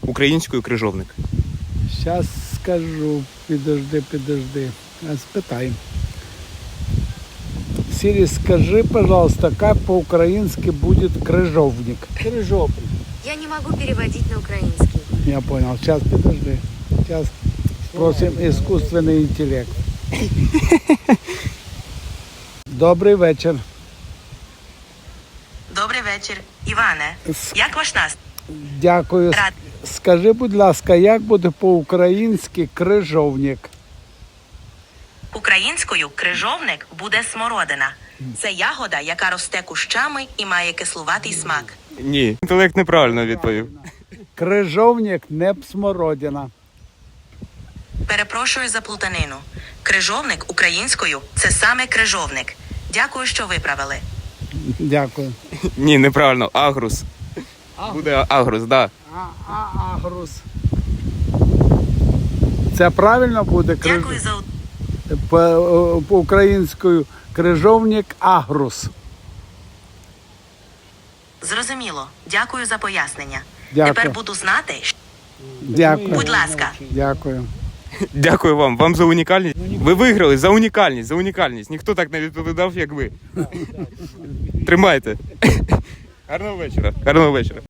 українською крижовник? Сейчас скажу, подожди. Спитаем. Сири, скажи, пожалуйста, как по-украински будет крыжовник? Крыжовник. Я не могу переводить на украинский. Я понял. Сейчас, подожди. Сейчас спросим искусственный интеллект. Добрий вечір. Добрий вечір. Іване, як ваш настрій? Дякую. Рад. Скажи, будь ласка, як буде по-українськи крижовник? Українською крижовник буде смородина. Це ягода, яка росте кущами і має кислуватий смак. Ні. Інтелект неправильно відповів. Крижовник не смородина. Перепрошую за плутанину. Крижовник українською – це саме крижовник. Дякую, що виправили. Дякую. Ні, неправильно. Агрус. Буде агрус, так. Да. Агрус. Це правильно буде? Дякую за По-українською крижовник агрус. Зрозуміло. Дякую за пояснення. Дякую. Тепер буду знати, Дякую. будь ласка. Дякую. Дякую вам. Вам за унікальність. Ви виграли за унікальність, за унікальність. Ніхто так не відповідав, як ви. Тримайте. Гарного вечора. Гарного вечора.